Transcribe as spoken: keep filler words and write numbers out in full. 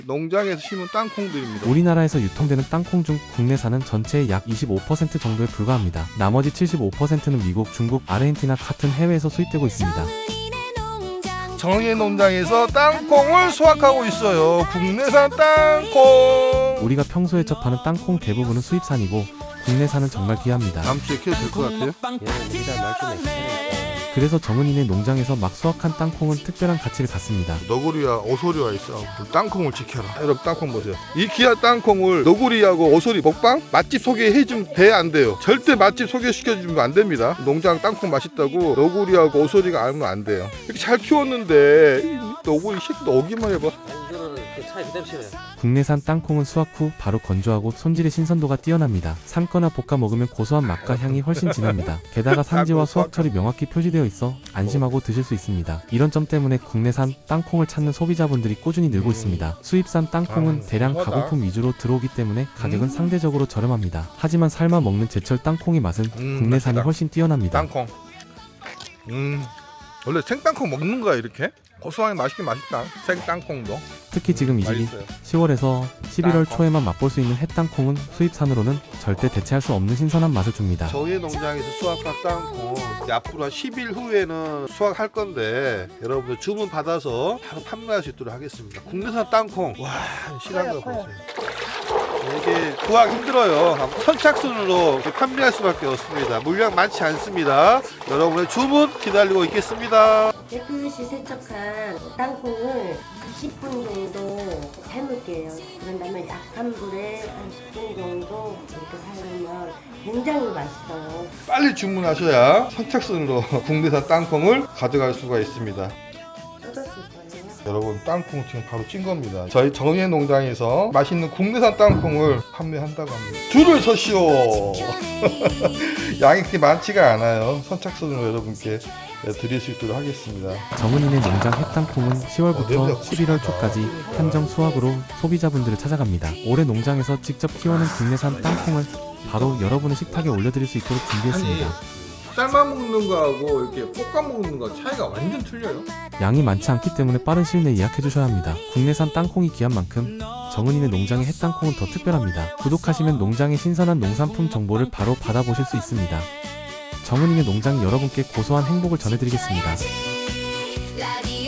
농장에서 심은 땅콩들입니다. 우리나라에서 유통되는 땅콩 중 국내산은 전체의 약 이십오 퍼센트 정도에 불과합니다. 나머지 칠십오 퍼센트는 미국, 중국, 아르헨티나 같은 해외에서 수입되고 있습니다. 정은이네 농장에서 땅콩을 수확하고 있어요. 국내산 땅콩. 우리가 평소에 접하는 땅콩 대부분은 수입산이고 국내산은 정말 귀합니다. 다음 주에 키워도 될 것 같아요. 그래서 정은이네 농장에서 막 수확한 땅콩은 특별한 가치를 갖습니다. 너구리와 오소리와 있어. 땅콩을 지켜라. 여러분 땅콩 보세요. 이 귀한 땅콩을 너구리하고 오소리 먹방? 맛집 소개해주면 돼, 안 돼요? 절대 맛집 소개시켜주면 안 됩니다. 농장 땅콩 맛있다고 너구리하고 오소리가 알면 안 돼요. 이렇게 잘 키웠는데 이 너구리 새끼도 오기만 해봐. 국내산 땅콩은 수확 후 바로 건조하고 손질의 신선도가 뛰어납니다. 삶거나 볶아 먹으면 고소한 맛과 향이 훨씬 진합니다. 게다가 산지와 수확철이 명확히 표시되어 있어 안심하고 드실 수 있습니다. 이런 점 때문에 국내산 땅콩을 찾는 소비자분들이 꾸준히 늘고 있습니다. 수입산 땅콩은 대량 가공품 위주로 들어오기 때문에 가격은 상대적으로 저렴합니다. 하지만 삶아 먹는 제철 땅콩의 맛은 음, 국내산이 맛있다. 훨씬 뛰어납니다. 땅콩. 음, 원래 생땅콩 먹는 거야 이렇게? 고소하게 맛있긴 맛있다. 생땅콩도 특히 지금 이 시기 맛있어요. 시월에서 십일월 땅콩. 초에만 맛볼 수 있는 햇땅콩은 수입산으로는 절대 대체할 수 없는 신선한 맛을 줍니다. 저희 농장에서 수확한 땅콩 앞으로 한 십 일 후에는 수확할 건데 여러분들 주문 받아서 바로 판매할 수 있도록 하겠습니다. 국내산 땅콩 와 실한 거 보세요. 이게 구하기 힘들어요. 선착순으로 이렇게 판매할 수밖에 없습니다. 물량 많지 않습니다. 여러분의 주문 기다리고 있겠습니다. 깨끗이 세척한 땅콩을 십 분 정도 삶을게요. 그런 다음에 약한 불에 한 십 분 정도 이렇게 삶으면 굉장히 맛있어요. 빨리 주문하셔야 선착순으로 국내산 땅콩을 가져갈 수가 있습니다. 쏟았을 거예요. 여러분 땅콩 지금 바로 찐 겁니다. 저희 정예 농장에서 맛있는 국내산 땅콩을 판매한다고 합니다. 줄을 서시오. 양이 그렇게 많지가 않아요. 선착순으로 여러분께 드릴 수 있도록 하겠습니다. 정은이네 농장 햇땅콩은 어, 시월부터 냄새가 십일월 초까지 한정 수확으로 소비자분들을 찾아갑니다. 올해 농장에서 직접 키워낸 국내산 땅콩을 바로 여러분의 식탁에 올려드릴 수 있도록 준비했습니다. 삶아 먹는 거하고 이렇게 볶아 먹는 거 차이가 완전 틀려요. 양이 많지 않기 때문에 빠른 시일 내에 예약해 주셔야 합니다. 국내산 땅콩이 귀한 만큼 정은이네 농장의 햇땅콩은 더 특별합니다. 구독하시면 농장의 신선한 농산품 정보를 바로 받아보실 수 있습니다. 정은이네 농장이 여러분께 고소한 행복을 전해드리겠습니다.